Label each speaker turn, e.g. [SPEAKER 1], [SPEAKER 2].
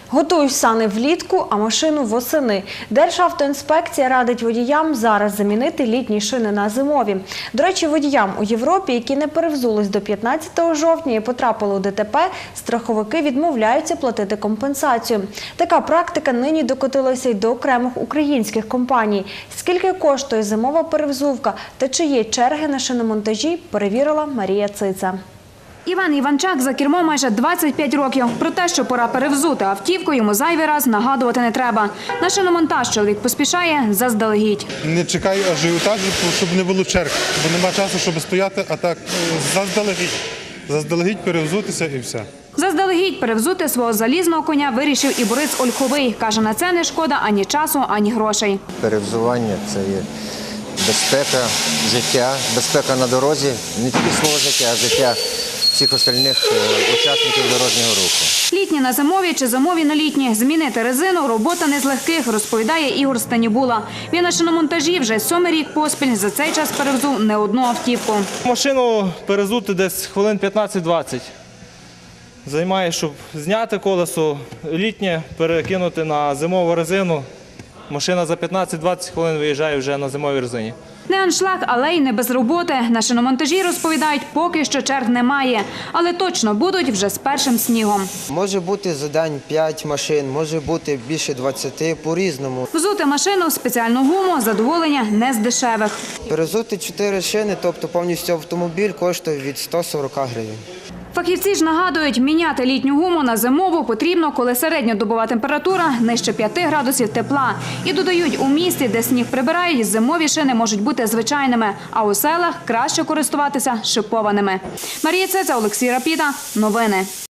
[SPEAKER 1] Готуй сани влітку, а машину восени. Державтоінспекція радить водіям зараз замінити літні шини на зимові. До речі, водіям у Європі, які не перевзулись до 15 жовтня і потрапили у ДТП, страховики відмовляються платити компенсацію. Така практика нині докотилася й до окремих українських компаній. Скільки коштує зимова перевзувка та чи є черги на шиномонтажі, перевірила Марія Циця.
[SPEAKER 2] Іван Іванчак за кермом майже 25 років. Про те, що пора перевзути автівку, йому зайвий раз нагадувати не треба. На шиномонтаж чоловік поспішає заздалегідь.
[SPEAKER 3] Не чекай ажіотажу, щоб не було черг, бо нема часу, щоб стояти, а так заздалегідь. Заздалегідь перевзутися і все.
[SPEAKER 2] Заздалегідь перевзути свого залізного коня вирішив і Борис Ольховий. Каже, на це не шкода ані часу, ані грошей.
[SPEAKER 4] Перевзування – це є безпека життя, безпека на дорозі, не тільки свого життя, а життя всіх остальних учасників дорожнього руху.
[SPEAKER 2] Літні на зимові чи зимові на літні. Змінити резину – робота не з легких, розповідає Ігор Станібула. Він на шиномонтажі вже 7-й рік поспіль, за цей час перевзув не одну автівку.
[SPEAKER 5] Машину перевзути десь хвилин 15-20. Займає, щоб зняти колесо, літнє перекинути на зимову резину. Машина за 15-20 хвилин виїжджає вже на зимовій резині.
[SPEAKER 2] Не аншлаг, але й не без роботи. На шиномонтажі, розповідають, поки що черг немає. Але точно будуть вже з першим снігом.
[SPEAKER 6] Може бути за день 5 машин, може бути більше 20, по-різному.
[SPEAKER 2] Взути машину в спеціальну гуму – задоволення не з дешевих.
[SPEAKER 6] Перевзути 4 шини, тобто повністю автомобіль, коштує від 140 гривень.
[SPEAKER 2] Фахівці ж нагадують, міняти літню гуму на зимову потрібно, коли середньодобова температура нижче 5 градусів тепла. І додають, у місті, де сніг прибирають, зимові шини можуть бути звичайними, а у селах краще користуватися шипованими. Марія Циця, Олексій Рапіта. Новини.